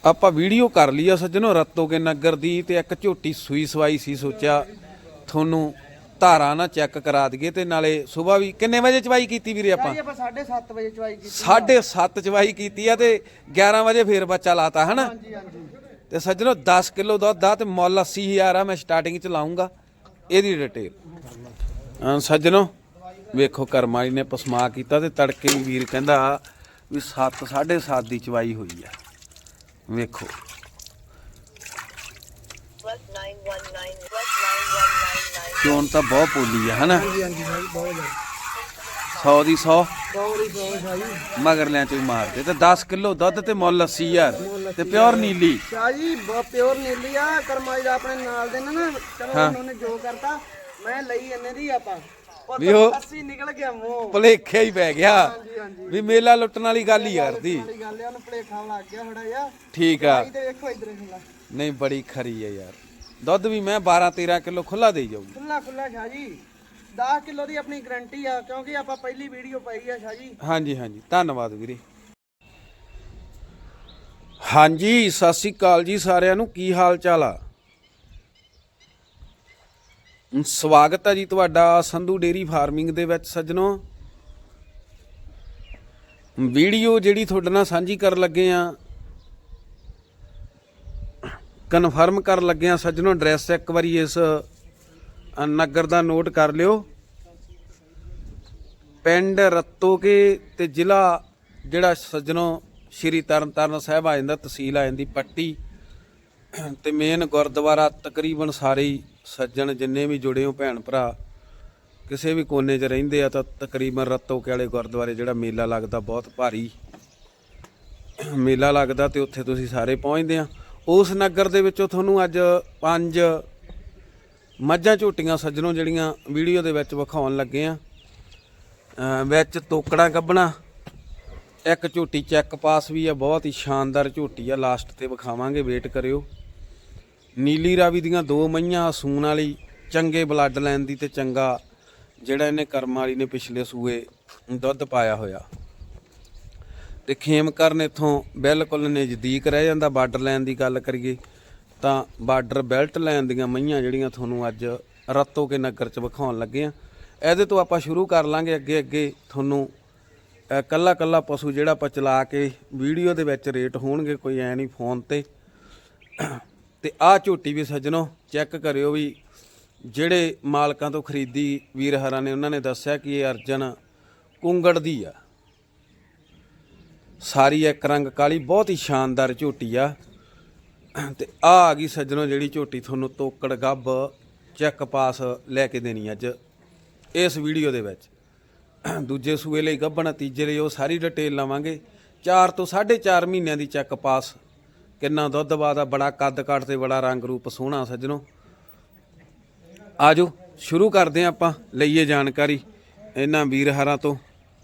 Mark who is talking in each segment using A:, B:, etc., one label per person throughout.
A: ਆਪਾਂ ਵੀਡੀਓ ਕਰ ਲਈ ਆ ਸੱਜਣੋ ਰਤੋ ਕੇ ਨਗਰ ਦੀ ਤੇ ਇੱਕ ਝੋਟੀ ਸੂਈ ਸਵਾਈ ਸੀ। ਸੋਚਿਆ ਤੁਹਾਨੂੰ ਧਾਰਾ ਨਾ ਚੈੱਕ ਕਰਾ ਦਈਏ ਤੇ ਨਾਲੇ ਸਵੇਰ ਵੀ ਕਿੰਨੇ ਵਜੇ ਚਵਾਈ ਕੀਤੀ ਵੀਰੇ ਆਪਾਂ
B: 7:30 ਵਜੇ ਚਵਾਈ ਕੀਤੀ
A: 7:30 ਚਵਾਈ ਕੀਤੀ ਆ ਤੇ 11 ਵਜੇ ਫੇਰ ਬੱਚਾ ਲਾਤਾ ਹਨਾ।
B: ਹਾਂਜੀ ਹਾਂਜੀ
A: ਤੇ ਸੱਜਣੋ 10 ਕਿਲੋ ਦੁੱਧ ਆ ਤੇ ਮੁੱਲ 80,000 ਆ। ਮੈਂ ਸਟਾਰਟਿੰਗ ਚ ਲਾਉਂਗਾ ਇਹਦੀ ਡਿਟੇਲ। ਸੱਜਣੋ ਵੇਖੋ ਕਰਮਾਲੀ ਨੇ ਪਸਮਾ ਕੀਤਾ ਤੇ ਤੜਕੇ ਵੀ ਵੀਰ ਕਹਿੰਦਾ ਵੀ 7 7:30 ਦੀ ਚਵਾਈ ਹੋਈ ਆ। ਵੇਖੋ ਚੋਣ ਤਾਂ ਬਹੁਤ ਪੋਲੀ ਆ ਹਨਾ।
B: ਹਾਂਜੀ ਹਾਂਜੀ ਭਾਈ ਬਹੁਤ
A: 100 ਦੀ 100
B: ਬਹੁਤ
A: ਮਗਰਲਿਆਂ ਚ ਵੀ ਮਾਰਦੇ ਤੇ 10 ਕਿਲੋ ਦੁੱਧ ਤੇ ਮੁੱਲ 80,000 ਤੇ ਪਿਓਰ ਨੀਲੀ
B: ਸ਼ਾਹ ਜੀ ਬਹੁਤ ਪਿਓਰ ਨੀਲੀ ਆ। ਕਰਮਾਈ ਦਾ ਆਪਣੇ ਨਾਲ ਦੇ ਨਾ ਚਲੋ ਉਹਨੇ ਜੋ ਕਰਤਾ ਮੈਂ ਲਈ ਇਹਨੇ ਦੀ ਆਪਾਂ
A: ਵੀ ਉਹ
B: 80 ਨਿਕਲ ਗਿਆ ਮੂੰਹ
A: ਭੁਲੇਖੇ ਹੀ ਪੈ ਗਿਆ
B: ਹਾਂਜੀ ਹਾਂਜੀ
A: ਵੀ ਮੇਲਾ ਲੁੱਟਣ ਵਾਲੀ ਗੱਲ ਹੀ ਕਰਦੀ।
B: ਵਾਲੀ ਗੱਲ ਆ ਉਹਨੂੰ ਭੁਲੇਖਾ ਲੱਗ ਗਿਆ ਥੋੜਾ ਜਿਹਾ।
A: ਠੀਕ ਆ
B: ਤੇ ਵੇਖੋ ਇਧਰ ਖੁੱਲਾ
A: ਨਹੀਂ ਬੜੀ ਖਰੀ ਆ ਯਾਰ। ਦੁੱਧ ਵੀ ਮੈਂ 12 13 ਕਿਲੋ ਖੁੱਲਾ ਦੇਈ ਜਾਊਗੀ।
B: ਖੁੱਲਾ ਖੁੱਲਾ ਸ਼ਾਹ ਜੀ 10 ਕਿਲੋ ਦੀ ਆਪਣੀ ਗਾਰੰਟੀ ਆ ਕਿਉਂਕਿ ਆਪਾਂ ਪਹਿਲੀ ਵੀਡੀਓ ਪਾਈ ਆ ਸ਼ਾਹ ਜੀ।
A: ਹਾਂਜੀ ਹਾਂਜੀ ਧੰਨਵਾਦ ਵੀਰੇ। ਹਾਂਜੀ ਸਤਿ ਸ੍ਰੀ ਅਕਾਲ ਜੀ ਸਾਰਿਆਂ ਨੂੰ। ਕੀ ਹਾਲ ਚਾਲ ਆ? ਸਵਾਗਤ ਹੈ ਜੀ ਤੁਹਾਡਾ ਸੰਧੂ ਡੇਰੀ ਫਾਰਮਿੰਗ ਦੇ ਵਿੱਚ। ਸੱਜਣੋ ਵੀਡੀਓ ਜਿਹੜੀ ਤੁਹਾਡੇ ਨਾਲ ਸਾਂਝੀ ਕਰਨ ਲੱਗੇ ਆ ਕਨਫਰਮ ਕਰਨ ਲੱਗੇ ਆ ਸੱਜਣੋ। ਐਡਰੈਸ ਇੱਕ ਵਾਰੀ ਇਸ ਨਗਰ ਦਾ ਨੋਟ ਕਰ ਲਿਓ। ਪਿੰਡ ਰਤੋਕੇ ਤੇ ਜ਼ਿਲ੍ਹਾ ਜਿਹੜਾ ਸੱਜਣੋ ਸ਼੍ਰੀ ਤਰਨਤਾਰਨ ਸਾਹਿਬ ਆ ਜਾਂਦਾ, ਤਹਿਸੀਲ ਆ ਜਾਂਦੀ ਪੱਟੀ ਤੇ ਮੇਨ ਗੁਰਦੁਆਰਾ। ਤਕਰੀਬਨ ਸਾਰੇ ਹੀ ਸੱਜਣ ਜਿੰਨੇ ਵੀ ਜੁੜੇ ਹੋ ਭੈਣ ਭਰਾ ਕਿਸੇ ਵੀ ਕੋਨੇ 'ਚ ਰਹਿੰਦੇ ਆ ਤਾਂ ਤਕਰੀਬਨ ਰਤੋਕੇ ਵਾਲੇ ਗੁਰਦੁਆਰੇ ਜਿਹੜਾ ਮੇਲਾ ਲੱਗਦਾ ਬਹੁਤ ਭਾਰੀ ਮੇਲਾ ਲੱਗਦਾ ਤੇ ਉੱਥੇ ਤੁਸੀਂ ਸਾਰੇ ਪਹੁੰਚਦੇ ਆ। ਉਸ ਨਗਰ ਦੇ ਵਿੱਚੋਂ ਤੁਹਾਨੂੰ ਅੱਜ 5 ਮੱਝਾਂ ਝੋਟੀਆਂ ਸੱਜਣੋਂ ਜਿਹੜੀਆਂ ਵੀਡੀਓ ਦੇ ਵਿੱਚ ਵਿਖਾਉਣ ਲੱਗੇ ਆ। ਵਿੱਚ ਤੋਕੜਾਂ ਕੱਢਣਾ, ਇੱਕ ਝੋਟੀ ਚੈੱਕ ਪਾਸ ਵੀ ਆ, ਬਹੁਤ ਹੀ ਸ਼ਾਨਦਾਰ ਝੋਟੀ ਆ। ਲਾਸਟ ਤੇ ਵਿਖਾਵਾਂਗੇ, ਵੇਟ ਕਰਿਓ। ਨੀਲੀ ਰਾਵੀ ਦੀਆਂ 2 ਮਈਆਂ ਸੂਣ ਵਾਲੀ, ਚੰਗੇ ਬਲੱਡ ਲਾਈਨ ਦੀ ਤੇ ਚੰਗਾ ਜਿਹੜਾ ਇਹਨੇ ਕਰਮ ਵਾਲੀ ਨੇ ਪਿਛਲੇ ਸੂਏ ਦੁੱਧ ਪਾਇਆ ਹੋਇਆ। ਤੇ ਖੇਮਕਰਨ ਇੱਥੋਂ ਬਿਲਕੁਲ ਨਜ਼ਦੀਕ ਰਹਿ ਜਾਂਦਾ। ਬਾਰਡਰ ਲਾਈਨ ਦੀ ਗੱਲ ਕਰੀਏ ਤਾਂ ਬਾਰਡਰ ਬੈਲਟ ਲਾਈਨ ਦੀਆਂ ਮਈਆਂ ਜਿਹੜੀਆਂ ਤੁਹਾਨੂੰ ਅੱਜ ਰਤੋਕੇ ਨਗਰ 'ਚ ਵਿਖਾਉਣ ਲੱਗੇ ਆ। ਇਹਦੇ ਤੋਂ ਆਪਾਂ ਸ਼ੁਰੂ ਕਰ ਲਾਂਗੇ ਅੱਗੇ ਅੱਗੇ ਤੁਹਾਨੂੰ ਕੱਲਾ ਕੱਲਾ ਪਸ਼ੂ ਜਿਹੜਾ ਆਪਾਂ ਚਲਾ ਕੇ ਵੀਡੀਓ ਦੇ ਵਿੱਚ ਰੇਟ ਹੋਣਗੇ, ਕੋਈ ਐ ਨਹੀਂ ਫੋਨ ਤੇ। ਤੇ ਆਹ ਝੋਟੀ ਵੀ ਸੱਜਣੋ ਚੈੱਕ ਕਰਿਓ ਵੀ ਜਿਹੜੇ ਮਾਲਕਾਂ ਤੋਂ ਖਰੀਦੀ ਵੀਰ ਹਰਾਂ ਨੇ ਉਹਨਾਂ ਨੇ ਦੱਸਿਆ ਕਿ ਇਹ ਅਰਜਨ ਕੁੰਗੜ ਦੀ ਆ। ਸਾਰੀ ਇੱਕ ਰੰਗ ਕਾਲੀ, ਬਹੁਤ ਹੀ ਸ਼ਾਨਦਾਰ ਝੋਟੀ ਆ। ਤੇ ਆ ਗਈ ਸੱਜਣੋ ਜਿਹੜੀ ਝੋਟੀ ਤੁਹਾਨੂੰ ਤੋਕੜ ਗੱਭ ਚੈੱਕ ਪਾਸ ਲੈ ਕੇ ਦੇਣੀ ਅੱਜ ਇਸ ਵੀਡੀਓ ਦੇ ਵਿੱਚ। ਦੂਜੇ ਸੂਏ ਲਈ ਗੱਭਣ, ਤੀਜੇ ਲਈ ਉਹ ਸਾਰੀ ਡਿਟੇਲ ਲਵਾਂਗੇ। 4 ਤੋਂ 4.5 ਮਹੀਨਿਆਂ ਦੀ ਚੈੱਕ ਪਾਸ, ਕਿੰਨਾ ਦੁੱਧ ਬਾਦਾ, ਬੜਾ ਕੱਦ ਕਾਠ ਤੇ ਬੜਾ ਰੰਗ ਰੂਪ ਸੋਹਣਾ ਸੱਜਣੋ। ਆਜੋ ਸ਼ੁਰੂ ਕਰਦੇ ਆਪਾਂ, ਲਈਏ ਜਾਣਕਾਰੀ ਇਹਨਾਂ ਵੀਰ ਹਰਾਂ ਤੋਂ।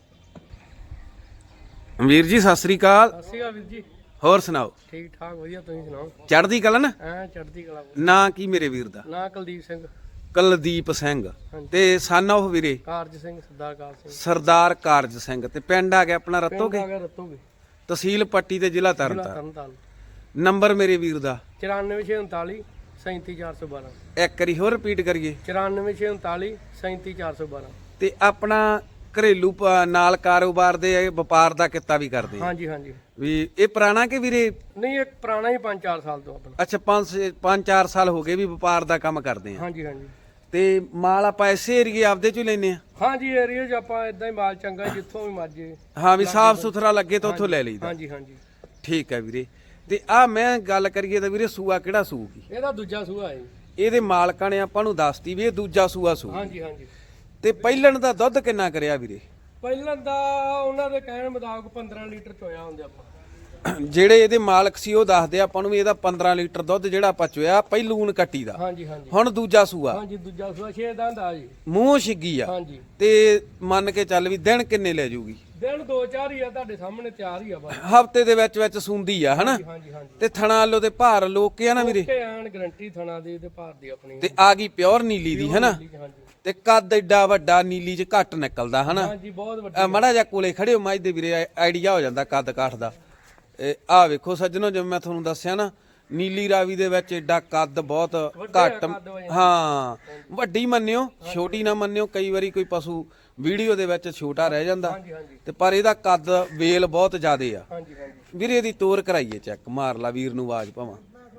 A: ਵੀਰ ਜੀ ਸਤਿ ਸ੍ਰੀ ਅਕਾਲ।
B: ਸਤਿ ਸ਼੍ਰੀ ਅਕਾਲ ਵੀਰ ਜੀ।
A: ਹੋਰ ਸੁਣਾਓ?
B: ਠੀਕ ਠਾਕ ਵਧੀਆ, ਤੁਸੀਂ ਸੁਣਾਓ?
A: ਚੜ੍ਹਦੀ ਕਲਾ ਨਾ?
B: ਐ ਚੜ੍ਹਦੀ ਕਲਾ।
A: ਨਾਂ ਕੀ ਮੇਰੇ ਵੀਰ ਦਾ?
B: ਨਾਂ ਕੁਲਦੀਪ ਸਿੰਘ।
A: ਕੁਲਦੀਪ ਸਿੰਘ ਤੇ ਸਨ ਆਫ ਵੀਰੇ
B: ਕਾਰਜ ਸਿੰਘ, ਸਰਦਾਰ ਕਾਰਜ ਸਿੰਘ।
A: ਸਰਦਾਰ ਕਾਰਜ ਸਿੰਘ। ਤੇ ਪਿੰਡ ਆ ਗਿਆ ਆਪਣਾ ਰਤੋਕੇ,
B: ਰਤੋਕੇ,
A: ਤਹਿਸੀਲ ਪੱਟੀ ਤੇ ਜ਼ਿਲ੍ਹਾ ਤਰਨਤਾਰਨ।
B: ਤਰਨਤਾਰਨ।
A: ਨੰਬਰ ਮੇਰੇ ਵੀਰ ਦਾ
B: 9439 37412।
A: ਇੱਕ ਵਾਰੀ ਹੋਰ ਰਿਪੀਟ ਕਰੀਏ।
B: 9439 37412।
A: ਤੇ ਆਪਣਾ ਘਰੇਲੂ ਨਾਲ ਕਾਰੋਬਾਰ ਦੇ ਵਪਾਰ ਦਾ ਕਿੱਤਾ ਵੀ ਕਰਦੇ ਆ?
B: ਹਾਂਜੀ ਹਾਂਜੀ।
A: ਵੀ ਇਹ ਪੁਰਾਣਾ ਕਿ ਵੀਰੇ?
B: ਨਹੀਂ, ਇੱਕ ਪੁਰਾਣਾ ਹੀ 5-4 ਸਾਲ ਤੋਂ ਆਪਣਾ।
A: ਅੱਛਾ 5-4 ਸਾਲ ਹੋ ਗਏ ਵੀ ਵਪਾਰ ਦਾ ਕੰਮ ਕਰਦੇ ਆ।
B: ਹਾਂਜੀ ਹਾਂਜੀ।
A: ਤੇ ਮਾਲ ਆਪਾਂ ਐਸੇ ਏਰੀਏ ਆਪਦੇ ਚੋਂ ਲੈਨੇ ਆ?
B: ਹਾਂਜੀ, ਏਰੀਆ 'ਚ ਆਪਾਂ ਇਦਾਂ ਹੀ ਮਾਲ ਚੰਗਾ ਜਿੱਥੋਂ ਵੀ ਮਰਜੇ।
A: ਹਾਂ ਵੀ ਸਾਫ ਸੁਥਰਾ ਲੱਗੇ ਤਾਂ ਉੱਥੋਂ ਲੈ ਲਈਦਾ।
B: ਹਾਂਜੀ ਹਾਂਜੀ।
A: ਠੀਕ ਹੈ ਵੀਰੇ। ਤੇ ਆ ਮੈਂ ਗੱਲ ਕਰੀਏ ਤਾਂ ਵੀਰੇ ਸੂਆ ਕਿਹੜਾ ਸੂਗੀ?
B: ਇਹਦਾ ਦੂਜਾ ਸੂਆ ਹੈ।
A: ਇਹਦੇ ਮਾਲਕਾਂ ਨੇ ਆਪਾਂ ਨੂੰ ਦੱਸਤੀ ਵੀ ਇਹ ਦੂਜਾ ਸੂਆ ਸੂ।
B: ਹਾਂਜੀ ਹਾਂਜੀ।
A: ਤੇ ਪਹਿਲਣ ਦਾ ਦੁੱਧ ਕਿੰਨਾ ਕਰਿਆ ਵੀਰੇ?
B: ਪਹਿਲਾਂ ਦਾ ਉਹਨਾਂ ਦੇ ਕਹਿਣ ਮੁਤਾਬਕ 15 ਲੀਟਰ ਚੋਇਆ ਹੁੰਦੇ ਆਪਾਂ।
A: ਜਿਹੜੇ ਇਹਦੇ ਮਾਲਕ ਸੀ ਉਹ ਦੱਸਦੇ ਆਪਾਂ ਨੂੰ ਵੀ ਇਹਦਾ 15 ਲੀਟਰ ਦੁੱਧ ਜਿਹੜਾ ਆਪਾਂ ਚੋਇਆ ਪਹਿਲੂਨ ਕੱਟੀ ਦਾ।
B: ਹਾਂਜੀ ਹਾਂਜੀ।
A: ਹੁਣ ਦੂਜਾ ਸੂਆ?
B: ਹਾਂਜੀ ਦੂਜਾ ਸੂਆ 6 ਦੰਦ ਆ ਜੀ।
A: ਮੂੰਹ ਛਿੱਗੀ ਆ।
B: ਹਾਂਜੀ।
A: ਤੇ ਮੰਨ ਕੇ ਚੱਲ ਵੀ ਦਿਨ ਕਿੰਨੇ ਲੈ ਜੂਗੀ?
B: ਦਿਨ 2-4 ਹੀ ਆ, ਤੁਹਾਡੇ ਸਾਹਮਣੇ ਤਿਆਰ ਹੀ ਆ ਬਸ।
A: ਹਫਤੇ ਦੇ ਵਿੱਚ ਸੂੰਦੀ ਆ ਹਨਾ?
B: ਹਾਂਜੀ ਹਾਂਜੀ।
A: ਤੇ ਥਣਾ ਲੋ ਤੇ ਭਾਰ ਲੋਕ ਆ ਨਾ ਵੀਰੇ?
B: ਐਨ ਗਰੰਟੀ ਥਣਾ ਦੀ ਤੇ ਭਾਰ ਦੀ ਆਪਣੀ।
A: ਤੇ ਆ ਗਈ ਪਿਓਰ ਨੀਲੀ ਦੀ ਹਨਾ?
B: ਹਾਂਜੀ।
A: ਤੇ ਕੱਦ ਐਡਾ ਵੱਡਾ ਨੀਲੀ ਚ ਘੱਟ ਨਿਕਲਦਾ ਹਨਾ?
B: ਹਾਂਜੀ ਬਹੁਤ ਵੱਡਾ।
A: ਮੜਾ ਜਾ ਕੋਲੇ ਖੜੇ ਹੋ ਮੱਝ ਦੇ ਵੀਰੇ, ਆਈਡੀਆ ਹੋ ਜਾਂਦਾ ਕੱਦ ਕਾਠ ਦਾ। ਆ ਵੇਖੋ ਸੱਜਣੋ, ਜਿਵੇਂ ਮੈਂ ਤੁਹਾਨੂੰ ਦੱਸਿਆ ਨਾ, ਨੀਲੀ ਰਾਵੀ ਦੇ ਵਿੱਚ ਏਡਾ ਕੱਦ ਬਹੁਤ ਘੱਟ, ਹਾਂ ਵੱਡੀ ਮੰਨਿਓ ਛੋਟੀ ਨਾ ਮੰਨਿਓ, ਕਈ ਵਾਰੀ ਕੋਈ ਪਸ਼ੂ ਵੀਡੀਓ ਦੇ ਵਿੱਚ ਛੋਟਾ ਰਹਿ ਜਾਂਦਾ ਤੇ ਪਰ ਇਹਦਾ ਕੱਦ ਵੇਲ ਬਹੁਤ ਜ਼ਿਆਦੇ ਆ। ਵੀਰੇ ਇਹਦੀ ਤੋਰ ਕਰਾਈਏ ਚੈੱਕ, ਮਾਰ ਲਾ ਵੀਰ ਨੂੰ ਆਵਾਜ਼ ਭਾਵਾਂ।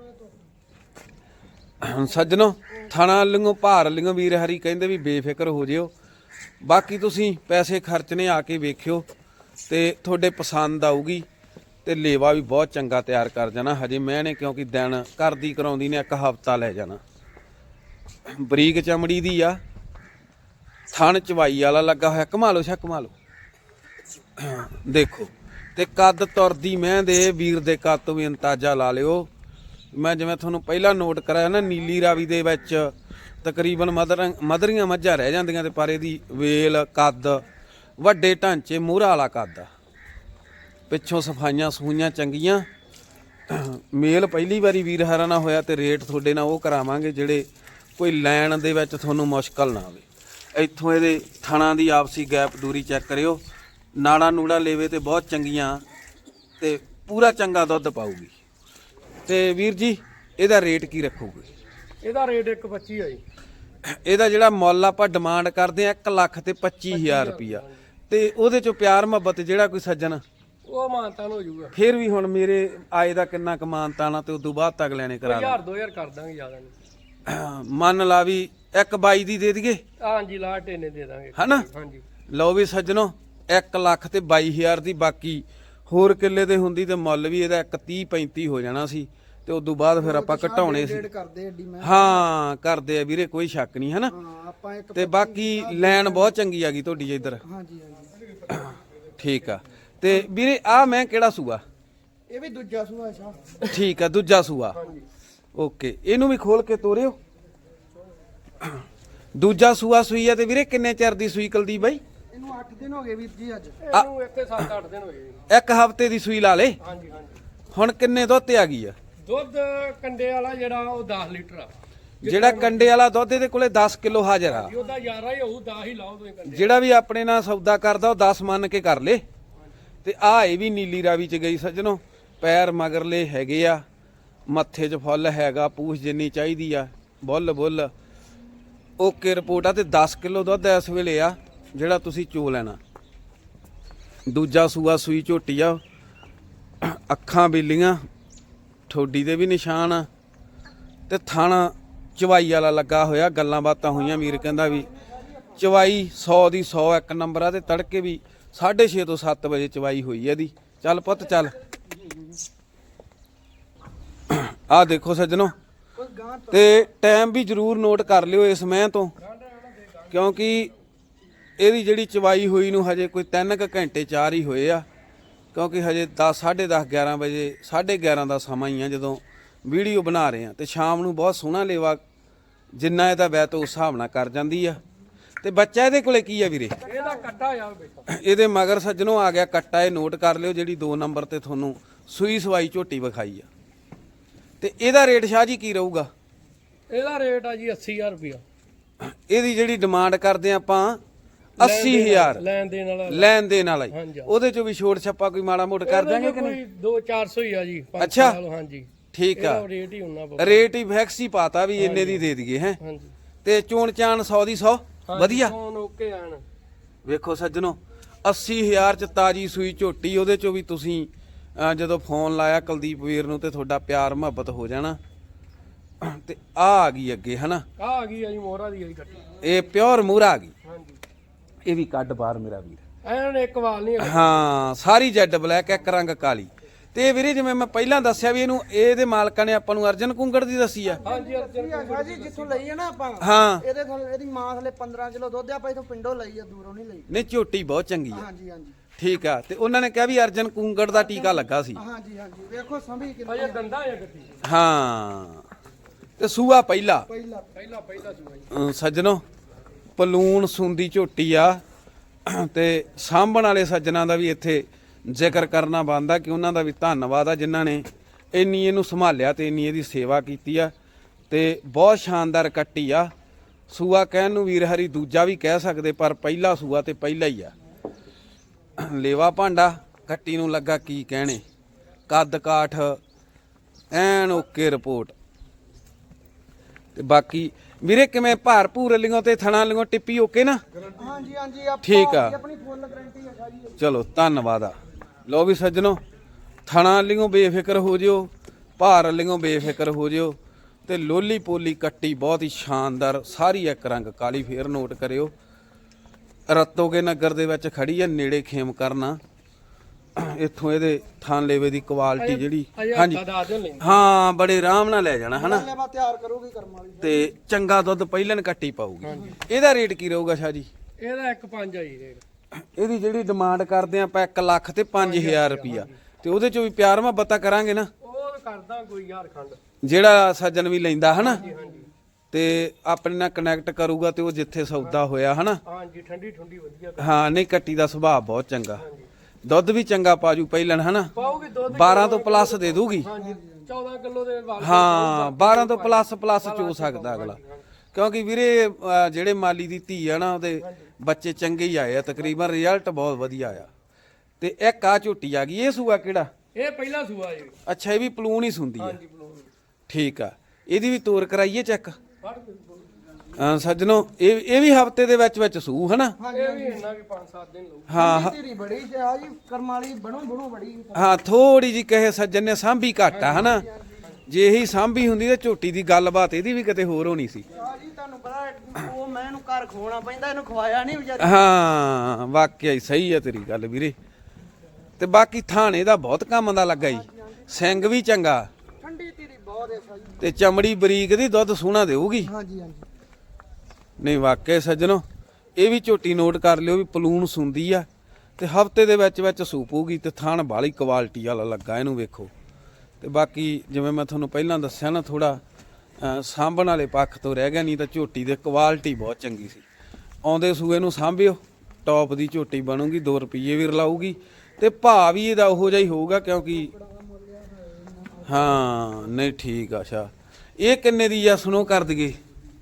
A: ਸੱਜਣੋ ਥਣਾ ਲਿੰਗੋ ਭਾਰ ਲਿੰਗੋ ਵੀਰ ਹਰੀ ਕਹਿੰਦੇ ਵੀ ਬੇਫਿਕਰ ਹੋ ਜਿਓ, ਬਾਕੀ ਤੁਸੀਂ ਪੈਸੇ ਖਰਚਨੇ ਆ ਕੇ ਵੇਖਿਓ ਤੇ ਤੁਹਾਡੇ ਪਸੰਦ ਆਊਗੀ ਤੇ ਲੇਵਾ ਵੀ ਬਹੁਤ ਚੰਗਾ ਤਿਆਰ ਕਰ ਜਾਣਾ। ਹਜੇ ਮੈਂ ਨੇ ਕਿਉਂਕਿ ਦਿਨ ਕਰਦੀ ਕਰਾਉਂਦੀ ਨੇ 1 ਹਫ਼ਤਾ ਲੈ ਜਾਣਾ। ਬਰੀਕ ਚਮੜੀ ਦੀ ਆ, ਥਣ ਚਵਾਈ ਵਾਲਾ ਲੱਗਾ ਹੋਇਆ, ਘੁਮਾ ਲਓ ਘੁਮਾ ਲਓ ਦੇਖੋ। ਤੇ ਕੱਦ ਤੁਰਦੀ ਮੈਂ ਦੇ ਵੀਰ ਦੇ ਕੱਦ ਤੋਂ ਵੀ ਅੰਦਾਜ਼ਾ ਲਾ ਲਿਓ। ਮੈਂ ਜਿਵੇਂ ਤੁਹਾਨੂੰ ਪਹਿਲਾਂ ਨੋਟ ਕਰਾਇਆ ਨਾ, ਨੀਲੀ ਰਾਵੀ ਦੇ ਵਿੱਚ ਤਕਰੀਬਨ ਮਧਰੀਆਂ ਮੱਝਾਂ ਰਹਿ ਜਾਂਦੀਆਂ ਤੇ ਪਰ ਇਹਦੀ ਵੇਲ ਕੱਦ ਵੱਡੇ ਢਾਂਚੇ ਮੂਹਰਾ ਵਾਲਾ ਕੱਦ ਆ, ਪਿੱਛੋਂ ਸਫਾਈਆਂ ਸਫੂਈਆਂ ਚੰਗੀਆਂ। ਮੇਲ ਪਹਿਲੀ ਵਾਰੀ ਵੀਰ ਹਰਾਂ ਨਾਲ ਹੋਇਆ ਤੇ ਰੇਟ ਤੁਹਾਡੇ ਨਾਲ ਉਹ ਕਰਾਵਾਂਗੇ ਜਿਹੜੇ ਕੋਈ ਲੈਣ ਦੇ ਵਿੱਚ ਤੁਹਾਨੂੰ ਮੁਸ਼ਕਲ ਨਾ ਆਵੇ। ਇੱਥੋਂ ਇਹਦੇ ਥਣਾਂ ਦੀ ਆਪਸੀ ਗੈਪ ਦੂਰੀ ਚੈੱਕ ਕਰਿਓ, ਨਾੜਾ ਨੂੜਾ ਲੇਵੇ ਤੇ ਬਹੁਤ ਚੰਗੀਆਂ ਤੇ ਪੂਰਾ ਚੰਗਾ ਦੁੱਧ ਪਾਊਗੀ। ਤੇ ਵੀਰ ਜੀ ਇਹਦਾ ਰੇਟ ਕੀ ਰੱਖੋਗੇ?
C: ਇਹਦਾ ਰੇਟ 1.25 ਆ ਜੀ।
A: ਇਹਦਾ ਜਿਹੜਾ ਮੁੱਲ ਆਪਾਂ ਡਿਮਾਂਡ ਕਰਦੇ ਆ 1,25,000 ਰੁਪਈਆ, ਤੇ ਉਹਦੇ ਚੋਂ ਪਿਆਰ ਮੁਹੱਬਤ ਜਿਹੜਾ ਕੋਈ ਸੱਜਣ
C: ਉਹ ਮਾਨਤਾਨ ਹੋ ਜਾਊਗਾ।
A: ਫਿਰ ਵੀ ਹੁਣ ਮੇਰੇ ਆਏ ਦਾ ਕਿੰਨਾ ਕੁ ਮਾਨਤਾਨਾ ਤੇ ਉਦੋਂ ਬਾਅਦ ਤੱਕ ਲੈਣੇ ਕਰਾ
C: 1000-2000 ਕਰ ਦਾਂਗੇ, ਜ਼ਿਆਦਾ ਨਹੀਂ।
A: ਮੰਨ ਲਾ ਵੀ 1,22 ਦੀ ਦੇ ਦਈਏ,
C: ਹਾਂਜੀ ਲਾਟ ਇਹਨੇ ਦੇ ਦਾਂਗੇ
A: ਹਨਾ?
C: ਹਾਂਜੀ
A: ਲਓ ਵੀ ਸੱਜਣੋ 1,22,000 ਦੀ, ਬਾਕੀ ਹੋਰ ਕਿੱਲੇ ਤੇ ਹੁੰਦੀ ਤੇ ਮੁੱਲ ਵੀ ਇਹਦਾ 1,30-35 ਹੋ ਜਾਣਾ ਸੀ ਤੇ ਉਦੋਂ ਬਾਅਦ ਫਿਰ ਆਪਾਂ ਘਟਾਉਣੇ ਸੀ। ਹਾਂ ਕਰਦੇ ਆ ਵੀਰੇ, ਕੋਈ ਸ਼ੱਕ ਨਹੀਂ, ਹਨਾ? ਤੇ ਬਾਕੀ ਲੈਣ ਬਹੁਤ ਚੰਗੀ ਆ ਗਈ ਤੁਹਾਡੀ ਇੱਧਰ।
B: ਹਾਂਜੀ ਹਾਂਜੀ
A: ਠੀਕ ਆ। ਤੇ ਵੀਰੇ ਆ ਮੈਂ ਕਿਹੜਾ ਸੂਆ?
B: ਇਹ ਵੀ ਦੂਜਾ ਸੂਆ ਸ਼ਾਹ।
A: ਠੀਕ ਆ, ਦੂਜਾ ਸੂਆ। ਓਕੇ, ਇਹਨੂੰ ਵੀ ਖੋਲ ਕੇ ਤੋਰਿਓ। ਦੂਜਾ ਸੂਆ ਸੂਈ ਆ ਤੇ ਵੀਰੇ ਕਿੰਨੇ ਚਿਰ ਦੀ ਸੂਈ ਕੁਲਦੀਪ ਬਾਈ?
B: ਇਹਨੂੰ 8 ਦਿਨ ਹੋ ਗਏ ਵੀਰ ਜੀ। ਅੱਜ
C: ਇਹਨੂੰ 7-8 ਦਿਨ ਹੋ ਗਏ।
A: 1 ਹਫ਼ਤੇ ਦੀ ਸੂਈ ਲਾ ਲੇ।
C: ਹਾਂਜੀ ਹਾਂਜੀ।
A: ਹੁਣ ਕਿੰਨੇ ਦੁੱਧ ਤੇ ਆ ਗਈ ਆ?
C: ਦੁੱਧ ਕੰਡੇ ਵਾਲਾ ਜਿਹੜਾ ਉਹ 10 ਲੀਟਰ ਆ।
A: ਜਿਹੜਾ ਕੰਡੇ ਵਾਲਾ ਦੁੱਧ ਇਹਦੇ ਕੋਲੇ 10 ਕਿਲੋ ਹਾਜ਼ਰ ਆ।
C: ਉਹਦਾ 11 ਹੀ ਹੋਊ, 10 ਹੀ ਲਾਓ ਤੁਸੀਂ ਕੰਡੇ।
A: ਜਿਹੜਾ ਵੀ ਆਪਣੇ ਨਾਲ ਸੌਦਾ ਕਰਦਾ ਉਹ 10 ਮੰਨ ਕੇ ਕਰ ਲੇ। ਤੇ ਆ ਇਹ ਵੀ ਨੀਲੀ ਰਾਵੀ ਚ ਗਈ ਸੱਜਣੋ, ਪੈਰ ਮਗਰਲੇ ਹੈਗੇ ਆ, ਮੱਥੇ 'ਚ ਫੁੱਲ ਹੈਗਾ, ਪੂਛ ਜਿੰਨੀ ਚਾਹੀਦੀ ਆ, ਬੁੱਲ ਓਕੇ ਰਿਪੋਰਟ ਆ। ਤੇ 10 ਕਿਲੋ ਦੁੱਧ ਇਸ ਵੇਲੇ ਆ ਜਿਹੜਾ ਤੁਸੀਂ ਚੋ ਲੈਣਾ। ਦੂਜਾ ਸੂਆ ਸੂਈ ਝੋਟੀ ਆ, ਅੱਖਾਂ ਬੀਲੀਆਂ, ਠੋਡੀ ਦੇ ਵੀ ਨਿਸ਼ਾਨ ਆ ਤੇ ਥਣ ਚਵਾਈ ਵਾਲਾ ਲੱਗਾ ਹੋਇਆ। ਗੱਲਾਂ ਬਾਤਾਂ ਹੋਈਆਂ, ਵੀਰ ਕਹਿੰਦਾ ਵੀ ਚਵਾਈ 100 ਦੀ 100 ਇੱਕ ਨੰਬਰ ਆ ਤੇ ਤੜਕੇ ਵੀ 6:30 ਤੋਂ 7 ਵਜੇ ਚਵਾਈ ਹੋਈ ਆ ਇਹਦੀ। ਚੱਲ ਪੁੱਤ ਚੱਲ। ਆ ਦੇਖੋ ਸੱਜਣੋ, ਤੇ ਟਾਈਮ ਵੀ ਜ਼ਰੂਰ ਨੋਟ ਕਰ ਲਿਓ ਇਸ ਮੈਂ ਤੋਂ, ਕਿਉਂਕਿ ਇਹਦੀ ਜਿਹੜੀ ਚਵਾਈ ਹੋਈ ਨੂੰ ਹਜੇ ਕੋਈ 3 ਘੰਟੇ 4 ਹੀ ਹੋਏ ਆ, ਕਿਉਂਕਿ ਹਜੇ 10 10:30 11 ਵਜੇ 11:30 ਦਾ ਸਮਾਂ ਹੀ ਆ ਜਦੋਂ ਵੀਡੀਓ ਬਣਾ ਰਹੇ ਆ। ਤੇ ਸ਼ਾਮ ਨੂੰ ਬਹੁਤ ਸੋਹਣਾ ਲੇਵਾ ਜਿੰਨਾ ਇਹਦਾ ਵੈਤ ਉਸ ਹਿਸਾਬ ਨਾਲ ਕਰ ਜਾਂਦੀ ਆ। ਤੇ ਬੱਚਾ ਇਹਦੇ ਕੋਲੇ ਕੀ ਆ ਵੀਰੇ?
C: ਇਹਦਾ ਕੱਟਾ ਆ ਬੇਟਾ।
A: ਇਹਦੇ ਮਗਰ ਸੱਜਣੋ ਆ ਗਿਆ ਕੱਟਾ, ਇਹ ਨੋਟ ਕਰ ਲਿਓ, ਜਿਹੜੀ 2 ਨੰਬਰ ਤੇ ਤੁਹਾਨੂੰ ਸੂਈ ਸਵਾਈ ਝੋਟੀ ਵਿਖਾਈ ਆ। ਤੇ ਇਹਦਾ ਰੇਟ ਸ਼ਾਹ ਜੀ ਕੀ ਰਹੂਗਾ?
C: ਇਹਦਾ ਰੇਟ ਆ ਜੀ 80000 ਰੁਪਇਆ।
A: ਇਹਦੀ ਜਿਹੜੀ ਡਿਮਾਂਡ ਕਰਦੇ ਆਪਾਂ 80000
C: ਲੈਣ ਦੇਣ ਵਾਲਾ
A: ਹੀ, ਉਹਦੇ ਚੋਂ ਵੀ ਛੋਟ ਛੱਪਾ ਕੋਈ ਮਾੜਾ ਮੋਟ ਕਰ ਦਾਂਗੇ ਕਿ ਨਹੀਂ?
C: 200-400 ਹੀ ਆ ਜੀ।
A: ਅੱਛਾ
C: ਹਾਂਜੀ
A: ਠੀਕ ਆ,
C: ਰੇਟ ਹੀ ਉਹਨਾਂ
A: ਰੇਟ ਹੀ ਫੈਕਸ ਹੀ ਪਾਤਾ ਵੀ ਇੰਨੇ ਦੀ ਦੇ ਦਈਏ ਹੈ।
C: ਹਾਂਜੀ।
A: ਤੇ ਚੋਣ ਚਾਣ 100 ਦੀ 100 ਵਧੀਆ।
C: ਓਕੇ ਆਣ
A: ਵੇਖੋ ਸੱਜਣੋ 80000 ਚ ਤਾਜੀ ਸੂਈ ਝੋਟੀ, ਉਹਦੇ ਚੋਂ ਵੀ ਤੁਸੀਂ ਜਦੋਂ ਫੋਨ ਲਾਇਆ ਕੁਲਦੀਪ ਵੀਰ ਨੂੰ ਤੇ ਤੁਹਾਡਾ ਪਿਆਰ ਮੁਹੱਬਤ ਹੋ ਜਾਣਾ। ਤੇ ਆ ਗਈ ਅੱਗੇ, ਹਨਾ?
C: ਆ ਗਈ ਆ ਜੀ ਮੋਹਰਾ ਦੀ ਆਈ ਕੱਟੀ।
A: ਇਹ ਪਿਓਰ ਮੂਹਰਾ ਆ ਗਈ।
C: ਹਾਂਜੀ।
A: ਇਹ ਵੀ ਕੱਢ ਬਾਹਰ ਮੇਰਾ ਵੀਰ।
C: ਐਨ ਇੱਕ ਵਾਲ ਨਹੀਂ ਹੈਗਾ।
A: ਹਾਂ ਸਾਰੀ ਜੈਡ ਬਲੈਕ, ਇੱਕ ਰੰਗ ਕਾਲੀ। ਤੇ ਵੀਰੇ ਜਿਵੇਂ ਮੈਂ ਪਹਿਲਾਂ ਦੱਸਿਆ ਵੀ ਇਹਨੂੰ ਇਹਦੇ ਮਾਲਕਾਂ ਨੇ ਆਪਾਂ ਨੂੰ ਅਰਜਨ ਕੁੰਗੜ ਦੀ ਦੱਸੀ ਆ।
C: ਹਾਂਜੀ ਅਰਜਨ
B: ਜੀ ਜਿੱਥੋਂ ਲਈ ਆ ਨਾ ਆਪਾਂ,
A: ਹਾਂ
B: ਇਹਦੇ ਥੱਲੇ ਇਹਦੀ ਮਾਂ ਥੱਲੇ 15 ਕਿਲੋ ਦੁੱਧ ਆ, ਆਪਾਂ ਇਥੋਂ ਪਿੰਡੋਂ ਲਈ ਆ, ਦੂਰੋਂ ਨਹੀਂ ਲਈ।
A: ਨਹੀਂ ਝੋਟੀ ਬਹੁਤ ਚੰਗੀ ਆ।
B: ਹਾਂਜੀ ਹਾਂਜੀ
A: ਠੀਕ ਆ। ਤੇ ਉਹਨਾਂ ਨੇ ਕਿਹਾ ਵੀ ਅਰਜਨ ਕੁੰਗੜ ਦਾ ਟੀਕਾ ਲੱਗਾ ਸੀ।
B: ਹਾਂਜੀ ਹਾਂਜੀ। ਵੇਖੋ ਸੰਭੀ ਕਿੰਨੀ
C: ਅਜੇ ਦੰਦਾ ਆ ਗੱਟੀ।
A: ਹਾਂ ਤੇ ਸੂਆ ਪਹਿਲਾ
B: ਪਹਿਲਾ
A: ਸੱਜਣੋ ਪਲੂਣ ਸੁੰਦੀ ਝੋਟੀ ਆ। ਤੇ ਸਾਂਭਣ ਵਾਲੇ ਸੱਜਣਾ ਦਾ ਵੀ ਇੱਥੇ ਜ਼ਿਕਰ ਕਰਨਾ ਬਣਦਾ ਕਿ ਉਹਨਾਂ ਦਾ ਵੀ ਧੰਨਵਾਦ ਆ ਜਿਨ੍ਹਾਂ ਨੇ ਇੰਨੀ ਇਹਨੂੰ ਸੰਭਾਲਿਆ ਤੇ ਇੰਨੀ ਇਹਦੀ ਸੇਵਾ ਕੀਤੀ ਆ। ਤੇ ਬਹੁਤ ਸ਼ਾਨਦਾਰ ਕੱਟੀ ਆ। ਸੂਆ ਕਹਿਣ ਨੂੰ ਵੀਰ ਹਰੀ ਦੂਜਾ ਵੀ ਕਹਿ ਸਕਦੇ, ਪਰ ਪਹਿਲਾ ਸੂਆ ਤੇ ਪਹਿਲਾ ਹੀ ਆ। ਲੇਵਾ ਭਾਂਡਾ ਕੱਟੀ ਨੂੰ ਲੱਗਾ ਕੀ ਕਹਿਣੇ, ਕੱਦ ਕਾਠ ਐਨ ਓਕੇ ਰਿਪੋਰਟ। ਤੇ ਬਾਕੀ ਵੀਰੇ ਕਿਵੇਂ ਭਾਰ ਭੂਰ ਲਿਓ ਤੇ ਥਣਾ ਲਿਓ ਟਿੱਪੀ ਓਕੇ ਨਾ?
B: ਹਾਂਜੀ ਹਾਂਜੀ
A: ਠੀਕ ਆ।
B: ਆਪਣੀ ਫੁੱਲ ਗਾਰੰਟੀ ਹੈ ਸ਼ਾਹ ਜੀ।
A: ਚਲੋ ਧੰਨਵਾਦ ਆ। ਲੋ ਵੀ ਸੱਜਣੋ, ਥਣਾ ਲਿਓ ਬੇਫਿਕਰ ਹੋ ਜਿਓ, ਭਾਰ ਲਿਓ ਬੇਫਿਕਰ ਹੋ ਜਿਓ। ਤੇ ਲੋਲੀ ਪੋਲੀ ਕੱਟੀ ਬਹੁਤ ਹੀ ਸ਼ਾਨਦਾਰ, ਸਾਰੀ ਇੱਕ ਰੰਗ ਕਾਲੀ। ਫੇਰ ਨੋਟ ਕਰਿਓ, ਰਤੋਗੇ ਨਗਰ ਦੇ ਵਿੱਚ ਖੜੀ ਆ, ਨੇੜੇ ਖੇਮ ਕਰਨਾ। ਇੱਥੋਂ ਇਹਦੇ ਥਾਂ ਲੇਵੇ ਦੀ ਕੁਆਲਿਟੀ ਜਿਹੜੀ ਹਾਂਜੀ ਹਾਂ ਬੜੇ ਆਰਾਮ ਨਾਲ ਲੈ ਜਾਣਾ ਹਨਾ।
B: ਮੈਂ ਤਿਆਰ ਕਰੂਗੀ ਕਰਮ ਵਾਲੀ
A: ਤੇ ਚੰਗਾ ਦੁੱਧ ਪਹਿਲਣ ਕੱਟੀ ਪਾਊਗੀ। ਇਹਦਾ ਰੇਟ ਕੀ ਰਹੂਗਾ ਸ਼ਾਹ ਜੀ?
C: ਇਹਦਾ 1.5 ਆ ਜੀ ਰੇਟ।
A: ਇਹਦੀ ਜਿਹੜੀ ਡਿਮਾਂਡ ਕਰਦੇ ਆਪਾਂ 1 ਲੱਖ ਤੇ 5000 ਰੁਪਿਆ, ਤੇ ਉਹਦੇ ਚੋਂ ਵੀ ਪਿਆਰ ਮੁਹੱਬਤ ਕਰਾਂਗੇ ਨਾ।
C: ਉਹ ਕਰਦਾ ਕੋਈ ਯਾਰ ਖੰਡ
A: ਜਿਹੜਾ ਸੱਜਣ ਵੀ ਲੈਂਦਾ ਹਨਾ ਤੇ ਆਪਣੇ ਨਾਲ ਕਨੈਕਟ ਕਰੂਗਾ ਤੇ ਉਹ ਜਿੱਥੇ ਸੌਦਾ ਹੋਇਆ ਹਨਾ।
C: ਹਾਂਜੀ ਠੰਡੀ ਠੰਡੀ ਵਧੀਆ
A: ਹਾਂ ਨਹੀਂ ਕੱਟੀ ਦਾ ਸੁਭਾਅ ਬਹੁਤ ਚੰਗਾ, ਦੁੱਧ ਵੀ ਚੰਗਾ ਪਾਜੂ ਪਹਿਲਣ ਹਨਾ।
C: ਪਾਉਗੀ ਦੁੱਧ
A: 12 ਤੋਂ ਪਲੱਸ ਦੇ ਦੂਗੀ।
C: ਹਾਂਜੀ 14 ਕਿਲੋ ਦੇ ਵਾਲ
A: ਹਾਂ 12 ਤੋਂ ਪਲੱਸ ਚੋ ਸਕਦਾ ਅਗਲਾ, ਕਿਉਂਕਿ ਵੀਰੇ ਜਿਹੜੇ ਮਾਲੀ ਦੀ ਧੀ ਆ ਨਾ ਉਹਦੇ ਬੱਚੇ ਚੰਗੇ ਹੀ ਆਏ ਆ, ਤਕਰੀਬਨ ਰਿਜ਼ਲਟ ਬਹੁਤ ਵਧੀਆ ਆ। ਤੇ ਇੱਕ ਆ ਝੋਟੀ ਆ ਗਈ, ਇਹ ਸੂਆ ਕਿਹੜਾ?
C: ਇਹ ਪਹਿਲਾ ਸੂਆ ਜੀ।
A: ਅੱਛਾ ਇਹ ਵੀ ਪਲੂਣ ਹੀ ਸੁੰਦੀ ਆ।
C: ਹਾਂਜੀ ਬਲੂਨ
A: ਠੀਕ ਆ, ਇਹਦੀ ਵੀ ਤੋਰ ਕਰਾਈਏ ਚੈੱਕ
C: ਫੜ ਕੇ
A: ਸੱਜਣੋ। ਇਹ ਵੀ ਹਫਤੇ ਦੇ ਵਿੱਚ ਸੂ ਹਨਾ।
C: ਇਹ ਵੀ ਇੰਨਾ ਕਿ 5-7 ਦਿਨ ਲਊ।
A: ਹਾਂ
B: ਤੇਰੀ ਬੜੀ ਸ਼ਾਹ ਜੀ ਕਰਮ ਵਾਲੀ ਬਣੂ ਬੜੀ।
A: ਹਾਂ ਥੋੜੀ ਜੀ ਕਹੇ ਸੱਜਣ ਨੇ ਸਾਂਭੀ ਘੱਟ ਆ ਹਨਾ। ਜੇ ਇਹੀ ਸਾਂਭੀ ਹੁੰਦੀ ਤੇ ਝੋਟੀ ਦੀ ਗੱਲਬਾਤ ਇਹਦੀ ਵੀ ਕਿਤੇ ਹੋਰ ਹੋਣੀ ਸੀ।
B: ਸ਼ਾਹ ਜੀ ਤੁਹਾਨੂੰ ਪਤਾ ਉਹ ਮੈਂ ਇਹਨੂੰ ਘਰ ਖਵਾਉਣਾ ਪੈਂਦਾ, ਇਹਨੂੰ ਖਵਾਇਆ ਨਹੀਂ ਵਿਚਾਰੀ।
A: ਹਾਂ ਵਾਕਿਆ ਹੀ ਸਹੀ ਆ ਤੇਰੀ ਗੱਲ ਵੀਰੇ। ਤੇ ਬਾਕੀ ਥਾਣੇ ਦਾ ਬਹੁਤ ਕੰਮ ਦਾ ਲੱਗਾ ਜੀ, ਸਿੰਘ ਵੀ ਚੰਗਾ,
B: ਠੰਡੀ ਤੇਰੀ ਬਹੁਤ ਹੈ ਸ਼ਾਹ ਜੀ।
A: ਤੇ ਚਮੜੀ ਬਰੀਕ ਦੀ, ਦੁੱਧ ਸੋਹਣਾ ਦੇਊਗੀ।
B: ਹਾਂਜੀ ਹਾਂਜੀ
A: ਨਹੀਂ ਵਾਕਿਆ ਸੱਜਣੋ, ਇਹ ਵੀ ਝੋਟੀ ਨੋਟ ਕਰ ਲਿਓ ਵੀ ਪਲੂਣ ਸੁੰਦੀ ਆ ਤੇ ਹਫਤੇ ਦੇ ਵਿੱਚ ਸੂਪੂਗੀ। ਤੇ ਥਣ ਬਾਲੀ ਕੁਆਲਿਟੀ ਵਾਲਾ ਲੱਗਾ ਇਹਨੂੰ ਵੇਖੋ। ਤੇ ਬਾਕੀ ਜਿਵੇਂ ਮੈਂ ਤੁਹਾਨੂੰ ਪਹਿਲਾਂ ਦੱਸਿਆ ਨਾ, ਥੋੜਾ ਸਾਂਭਣ ਵਾਲੇ ਪੱਖ ਤੋਂ ਰਹਿ ਗਿਆ, ਨਹੀਂ ਤਾਂ ਝੋਟੀ ਦੇ ਕੁਆਲਿਟੀ ਬਹੁਤ ਚੰਗੀ ਸੀ। ਆਉਂਦੇ ਸੂਏ ਨੂੰ ਸਾਂਭਿਓ, ਟੌਪ ਦੀ ਝੋਟੀ ਬਣੂਗੀ, 2 ਰੁਪਏ ਵੀ ਰਲਾਊਗੀ ਤੇ ਭਾਅ ਵੀ ਇਹਦਾ ਉਹੋ ਜਿਹਾ ਹੀ ਹੋਊਗਾ। ਕਿਉਂਕਿ ਹਾਂ ਨਹੀਂ ਠੀਕ ਆ ਸ਼ਾ। ਇਹ ਕਿੰਨੇ ਦੀ ਆ ਸੁਣੋ ਕਰ ਦਈਏ?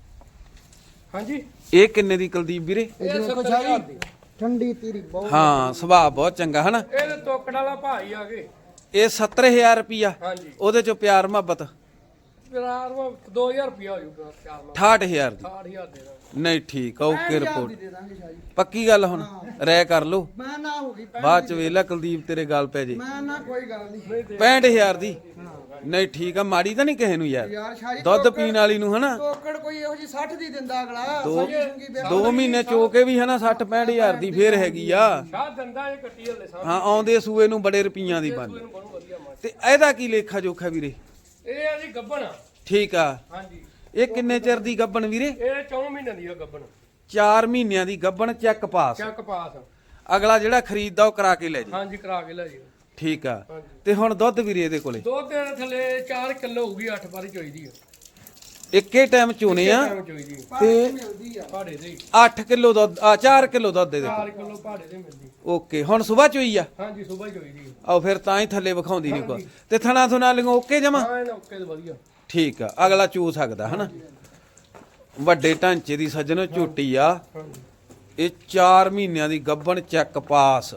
C: ਹਾਂਜੀ
A: ਇਹ ਕਿੰਨੇ ਦੀ ਕੁਲਦੀਪ ਵੀਰੇ?
C: ਇਹ 70,000 ਦੀ।
B: ਠੰਡੀ ਤੇਰੀ ਬਹੁਤ।
A: ਹਾਂ ਸੁਭਾਅ ਬਹੁਤ ਚੰਗਾ ਹਨਾ।
C: ਇਹਦੇ ਤੋਕੜ ਵਾਲਾ ਭਾਈ ਆ ਗਏ।
A: ਇਹ 70,000 ਰੁਪਿਆ,
C: ਹਾਂਜੀ
A: ਉਹਦੇ ਚੋਂ ਪਿਆਰ ਮੁਹੱਬਤ
C: ਪਿਆਰ 2000 ਰੁਪਿਆ ਹੋ ਜਾਊਗਾ। ਪਿਆਰ ਨਾਲ
A: 68,000 ਦੀ।
C: 60,000 ਦੇ ਦਾਂਗੇ।
A: ਨਹੀਂ ਠੀਕ ਆ ਓਕੇ ਰਿਪੋਰਟ।
B: ਦੇ ਦਾਂਗੇ ਸ਼ਾਹ ਜੀ।
A: ਪੱਕੀ ਗੱਲ ਹੁਣ ਰਹਿ ਕਰ ਲੋ,
B: ਮੈਂ ਨਾ ਹੋ ਗਈ
A: ਬਾਅਦ ਚ ਵੇਲਾ ਕੁਲਦੀਪ ਤੇਰੇ ਗੱਲ ਪੈ ਜੇ।
B: ਮੈਂ ਨਾ ਕੋਈ ਗੱਲ ਨਹੀਂ
A: 65,000 ਦੀ। ਨਹੀਂ ਠੀਕ ਆ, ਮਾੜੀ ਤਾਂ ਨਹੀਂ ਕਿਸੇ ਨੂੰ ਯਾਰ,
B: ਯਾਰ ਸ਼ਾਹ ਜੀ।
A: ਦੁੱਧ ਪੀਣ ਵਾਲੀ ਨੂੰ ਹਨਾ।
B: ਤੋਕੜ ਕੋਈ ਇਹੋ ਜੀ 60 ਦੀ ਦਿੰਦਾ ਅਗਲਾ।
A: 2 ਮਹੀਨੇ ਚੋ ਕੇ ਵੀ ਹਨਾ 60-65,000 ਦੀ ਫੇਰ ਹੈਗੀ ਆ।
C: ਸ਼ਾਹ ਦੰਦਾ ਇਹ ਕੱਟੀ ਹਲੇ ਸਾਹ
A: ਹਾਂ ਆਉਂਦੇ ਸੂਏ ਨੂੰ ਬੜੇ ਰੁਪਈਆਂ ਦੀ ਬਣ।
C: ਨੂੰ ਬਣੂ ਵਧੀਆ ਮਾਰ।
A: ਤੇ ਇਹਦਾ ਕੀ ਲੇਖਾ ਜੋਖਾ ਵੀਰੇ?
C: ਇਹ ਆ ਜੀ ਗੱਬਣ।
A: ਠੀਕ ਆ,
C: ਹਾਂਜੀ
A: ਇਹ ਕਿੰਨੇ ਚਿਰ ਦੀ ਗੱਬਣ ਵੀਰੇ?
C: ਇਹ 4 ਮਹੀਨਿਆਂ ਦੀ ਆ ਗੱਬਣ।
A: 4 ਮਹੀਨਿਆਂ ਦੀ ਗੱਬਣ, ਚੈੱਕ ਪਾਸ।
C: ਚੱਕ ਪਾਸ।
A: ਅਗਲਾ ਜਿਹੜਾ ਖਰੀਦਦਾ ਉਹ ਕਰਾ ਕੇ ਲੈ ਜੀ।
C: ਹਾਂਜੀ ਕਰਾ ਕੇ ਲੈ ਜੀ।
A: ਠੀਕ ਆ।
C: ਹਾਂਜੀ।
A: ਤੇ ਹੁਣ ਦੁੱਧ ਵੀਰੇ ਇਹਦੇ ਕੋਲੇ
C: ਦੁੱਧ ਦੇ ਥੱਲੇ 4 ਕਿਲੋ ਹੋਊਗੀ, 8 ਵਾਰੀ ਚੋਈਦੀ ਆ।
A: ਇੱਕੇ ਟਾਈਮ ਚੋਣੇ ਆ
C: ਚੋਈਦੀ
A: ਤੇ
B: ਮਿਲਦੀ ਆ
C: ਪਹਾੜੇ ਦੇ
A: 8 ਕਿਲੋ ਦੁੱਧ 4 ਕਿਲੋ ਦੁੱਧ ਦੇ
C: 4 ਕਿਲੋ ਪਹਾੜੇ ਦੇ ਮਿਲਦੀ।
A: ਓਕੇ ਹੁਣ ਸਵੇਰ ਚੋਈ ਆ।
C: ਹਾਂਜੀ ਸਵੇਰ ਚੋਈਦੀ
A: ਆਓ ਫਿਰ ਤਾਂ ਹੀ ਥੱਲੇ ਵਿਖਾਉਂਦੀ ਨਹੀਂ ਕੋ। ਤੇ ਥਣਾ ਥੁਣਾ ਲਿਓ ਓਕੇ ਜਮਾ?
C: ਹਾਂ ਇਹਨਾਂ ਓਕੇ ਤੇ ਵਧੀਆ।
A: ਠੀਕ ਆ, ਅਗਲਾ ਚੂ ਸਕਦਾ ਹਨਾ। ਵੱਡੇ ਢਾਂਚੇ ਦੀ ਸੱਜਣੋ ਝੋਟੀ ਆ।
C: ਹਾਂਜੀ
A: ਇਹ 4 ਮਹੀਨਿਆਂ ਦੀ ਗੱਬਣ, ਚੈੱਕ ਪਾਸ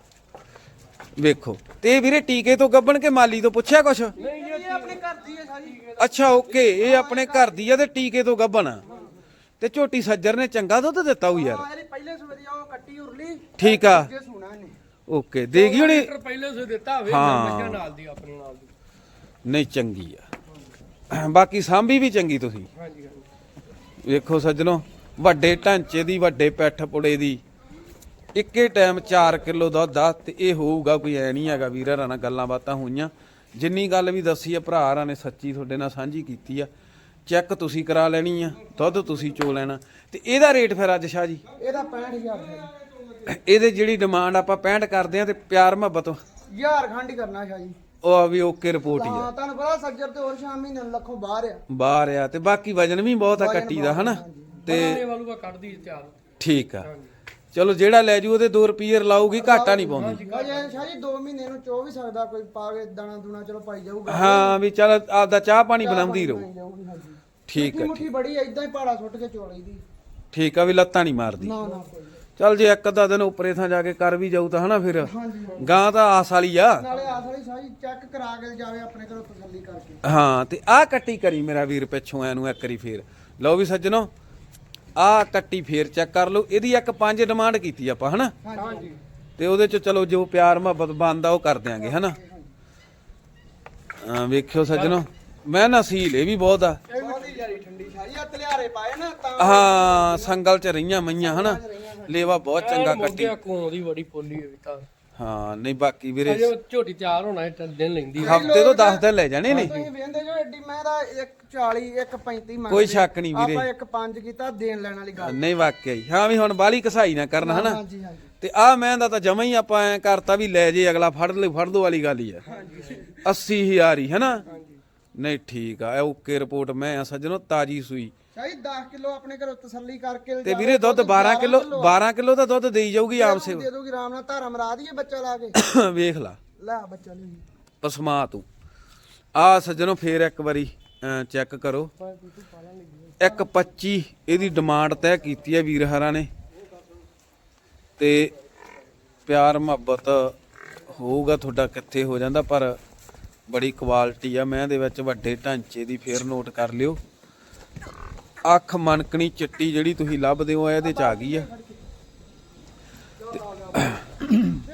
A: ਵੇਖੋ। ਤੇ ਇਹ ਵੀਰੇ ਟੀਕੇ ਤੋਂ ਗੱਬਣ ਕੇ ਮਾਲੀ ਤੋਂ ਪੁੱਛਿਆ ਕੁਛ?
C: ਨਹੀਂ
B: ਇਹ ਆਪਣੇ ਘਰ ਦੀ ਹੈ ਸ਼ਾਹ ਜੀ।
A: ਅੱਛਾ ਓਕੇ, ਇਹ ਆਪਣੇ ਘਰ ਦੀ ਆ ਤੇ ਟੀਕੇ ਤੋਂ ਗੱਬਣ ਆ। ਤੇ ਝੋਟੀ ਸੱਜਰ ਨੇ ਚੰਗਾ ਦੁੱਧ ਦਿੱਤਾ ਉਹ ਯਾਰ।
B: ਹਾਂ ਇਹਦੀ ਪਹਿਲੇ ਸਵੇਰੇ ਉਹ ਕੱਟੀ ਉਰਲੀ
A: ਠੀਕ ਆ
B: ਜੇ ਸੁਣਾ ਇਹਨੇ।
A: ਓਕੇ, ਦੇਗੀ ਹੁਣੀ।
C: ਲੀਟਰ ਪਹਿਲੇ ਸੇ ਦਿੱਤਾ ਹੋਵੇ
A: ਹਾਂ।
C: ਮੱਝਾਂ ਨਾਲ ਦੀ ਆਪਣੇ ਨਾਲ ਦੀ।
A: ਨਹੀਂ ਚੰਗੀ ਆ, ਬਾਕੀ ਸਾਂਭੀ ਵੀ ਚੰਗੀ ਤੁਸੀਂ।
C: ਹਾਂਜੀ ਹਾਂਜੀ
A: ਵੇਖੋ ਸੱਜਣੋ, ਵੱਡੇ ਢਾਂਚੇ ਦੀ, ਵੱਡੇ ਪੈਠ ਪੁੜੇ ਦੀ, ਇੱਕੇ ਟਾਈਮ 4 ਕਿਲੋ ਦੁੱਧ ਆ। ਤੇ ਇਹ ਹੋਊਗਾ ਕੋਈ ਐ ਨਹੀਂ ਹੈਗਾ ਵੀਰਾਂ ਨਾਲ ਗੱਲਾਂ ਬਾਤਾਂ ਹੋਈਆਂ। ਜਿੰਨੀ ਗੱਲ ਵੀ ਦੱਸੀ ਆ ਭਰਾ ਨੇ ਸੱਚੀ ਤੁਹਾਡੇ ਨਾਲ ਸਾਂਝੀ ਕੀਤੀ ਆ। ਚੈੱਕ ਤੁਸੀਂ ਕਰਾ ਲੈਣੀ ਆ, ਦੁੱਧ ਤੁਸੀਂ ਚੋ ਲੈਣਾ। ਤੇ ਇਹਦਾ ਰੇਟ ਫਿਰ ਅੱਜ ਸ਼ਾਹ ਜੀ?
B: ਇਹਦਾ 65,000 ਹੈ।
A: ਇਹਦੇ ਜਿਹੜੀ ਡਿਮਾਂਡ ਆਪਾਂ 65 ਕਰਦੇ ਆ ਤੇ ਪਿਆਰ ਮੁਹੱਬਤ
B: ਯਾਰ ਖੰਡ ਹੀ ਕਰਨਾ ਸ਼ਾਹ ਜੀ।
A: ਉਹ ਆ ਵੀ ਓਕੇ ਰਿਪੋਰਟ ਹੀ ਆ।
B: ਹਾਂ ਤੁਹਾਨੂੰ ਪਤਾ ਸੱਜਰ ਤੇ ਹੋਰ ਸ਼ਾਮ ਮਹੀਨੇ ਨੂੰ ਲੱਖੋਂ ਬਾਹਰ ਆ।
A: ਬਾਹਰ ਆ ਤੇ ਬਾਕੀ ਵਜਨ ਵੀ ਬਹੁਤ ਆ ਕੱਟੀ ਦਾ ਹਨਾ। ਤੇ
C: ਬਣਾਉਣੇ ਵਾਲੂਗਾ ਕੱਢਦੀ ਤਿਆਰ।
A: ਠੀਕ ਆ, ਚਲੋ ਜਿਹੜਾ ਲੈ ਜੂ ਉਹਦੇ 2 ਰੁਪਏ ਲਾਊਗੀ, ਘਾਟਾ ਨਹੀਂ ਪਾਉਂਦੀ।
B: ਅਜੇ ਸ਼ਾਹ ਜੀ 2 ਮਹੀਨੇ ਨੂੰ ਚੋ ਵੀ ਸਕਦਾ ਕੋਈ, ਪਾ ਕੇ ਦਾਣਾ ਦੂਣਾ ਚਲੋ ਪਾਈ ਜਾਊਗਾ।
A: ਹਾਂ ਵੀ ਚੱਲ ਆਪਦਾ ਚਾਹ ਪਾਣੀ ਬਣਾਉਂਦੀ ਰਹੂ।
B: ਜਾਊਗੀ ਹਾਂਜੀ।
A: ਠੀਕ ਆ
B: ਮੁੱਠੀ ਬੜੀ ਏਦਾਂ ਹੀ ਪਹਾੜਾ ਸੁੱਟ ਕੇ ਚੋ ਲਈਦੀ।
A: ਠੀਕ ਆ, ਵੀ ਲੱਤਾਂ ਨਹੀਂ ਮਾਰਦੀ।
B: ਨਾ ਨਾ ਕੋਈ।
A: ਚੱਲ ਜੇ ਇੱਕ ਅੱਧਾ ਦਿਨ ਉੱਪਰੇ ਥਾਂ ਜਾ ਕੇ ਕਰ ਵੀ ਜਾਊ ਤਾਂ ਹਨਾ ਫਿਰ
B: ਹਾਂਜੀ
A: ਗਾਂ ਤਾਂ ਆਸ ਵਾਲੀ ਆ।
B: ਨਾਲੇ ਆਸ ਵਾਲੀ ਸਾਰੀ ਚੈੱਕ ਕਰਾ ਕੇ ਜਾਵੇ ਆਪਣੇ ਘਰੋਂ ਤਸੱਲੀ ਕਰਕੇ।
A: ਹਾਂ ਤੇ ਆਹ ਕੱਟੀ ਕਰੀ ਮੇਰਾ ਵੀਰ ਪਿੱਛੋਂ ਐਨੂੰ ਇੱਕ ਵਾਰੀ ਫੇਰ ਲਓ ਵੀ ਸੱਜਣੋ ਆਹ ਕੱਟੀ ਫੇਰ ਚੈੱਕ ਕਰ ਲਓ। ਇਹਦੀ ਇੱਕ 5 ਡਿਮਾਂਡ ਕੀਤੀ ਆਪਾਂ ਹਨਾ
C: ਹਾਂਜੀ
A: ਤੇ ਉਹਦੇ ਚ ਚਲੋ ਜੋ ਪਿਆਰ ਮੁਹੱਬਤ ਬਣਦਾ ਉਹ ਕਰ ਦਿਆਂਗੇ ਹਨਾ। ਵੇਖਿਓ ਸੱਜਣੋ ਮੈਂ ਨਸੀਲ ਇਹ ਵੀ ਬਹੁਤ ਆ।
B: ਇਹ ਵੀ ਯਾਰੀ ਠੰਡੀ ਸਾਰੀ ਆ ਤਲਿਆਰੇ ਪਾਏ ਨਾ ਤਾਂ
A: ਹਾਂ ਸੰਗਲ ਚ ਰਹੀਆਂ ਮਈਆਂ ਹਨਾ ਲੇਵਾ ਬਹੁਤ ਚੰਗਾ ਕੱਟੀ।
C: ਮੋਗਿਆ ਕੋਂ ਦੀ ਬੜੀ ਪੋਲੀ ਹੋਈ ਤਾਂ
A: ਹਾਂ ਨਹੀਂ ਬਾਕੀ ਵੀਰੇ
C: ਅਜੇ ਝੋਟੀ ਤਿਆਰ ਹੋਣਾ ਇਹ ਦਿਨ ਲੈਂਦੀ
A: ਹਫਤੇ ਤੋਂ 10 ਦਿਨ ਲੈ ਜਾਣੇ ਨੇ।
B: ਤੁਸੀਂ ਵੇਂਦੇ ਜੋ ਐਡੀ ਮੈਂ ਦਾ 140 135 ਮੰਗਦੇ
A: ਕੋਈ ਸ਼ੱਕ ਨਹੀਂ ਵੀਰੇ
B: ਆਪਾਂ 1.5 ਕੀਤਾ ਦੇਣ ਲੈਣ ਵਾਲੀ ਗੱਲ।
A: ਨਹੀਂ ਵਾਕਿਆ ਹੀ ਹਾਂ ਵੀ ਹੁਣ ਬਾਲੀ ਕਸਾਈ ਨਾ ਕਰਨਾ ਹਨਾ।
B: ਹਾਂਜੀ ਹਾਂਜੀ
A: ਤੇ ਆਹ ਮੈਂ ਦਾ ਤਾਂ ਜਮਾ ਹੀ ਆਪਾਂ ਐ ਕਰਤਾ ਵੀ ਲੈ ਜੇ ਅਗਲਾ ਫੜ ਦੋ ਵਾਲੀ ਗੱਲ ਹੀ ਆ। 80,000 ਹੀ ਹਨਾ। ਨਹੀਂ ਠੀਕ ਆ ਓਕੇ ਰਿਪੋਰਟ ਮੈਂ ਆ ਸੱਜਣੋ ਤਾਜੀ ਸੂਈ
B: ਚਾਹੀ 10 ਕਿਲੋ ਆਪਣੇ ਘਰੋਂ ਤਸੱਲੀ ਕਰਕੇ
A: ਤੇ ਵੀਰੇ ਦੁੱਧ 12 ਕਿਲੋ ਦਾ ਦੁੱਧ ਦੇਈ ਜਾਊਗੀ ਆਮ ਸੇ
B: ਦੇ ਦੋਗੀ ਆਰਾਮ ਨਾਲ ਧਾਰਾ ਮਰਾ ਦਈਏ ਬੱਚਾ ਲਾ ਕੇ।
A: ਵੇਖ ਲਾ
B: ਲੈ ਬੱਚਾ ਲਈ
A: ਪਸਮਾ ਤੂੰ ਆ ਸੱਜਣੋ ਫੇਰ ਇੱਕ ਵਾਰੀ ਚੈੱਕ ਕਰੋ। 1.25 ਇਹਦੀ ਡਿਮਾਂਡ ਤੈਅ ਕੀਤੀ ਹੈ ਵੀਰ ਹਰਾਂ ਨੇ ਤੇ ਪਿਆਰ ਮੁਹੱਬਤ ਹੋਊਗਾ ਤੁਹਾਡਾ ਕਿੱਥੇ ਹੋ ਜਾਂਦਾ ਪਰ ਬੜੀ ਕੁਆਲਿਟੀ ਆ ਮੈਂ ਦੇ ਵਿੱਚ ਵੱਡੇ ਢਾਂਚੇ ਦੀ ਫੇਰ ਨੋਟ ਕਰ ਲਿਓ। ਅੱਖ ਮਨਕਣੀ ਚਿੱਟੀ ਜਿਹੜੀ ਤੁਸੀਂ ਲੱਭਦੇ ਹੋ ਇਹਦੇ ਚ ਆ ਗਈ ਆ।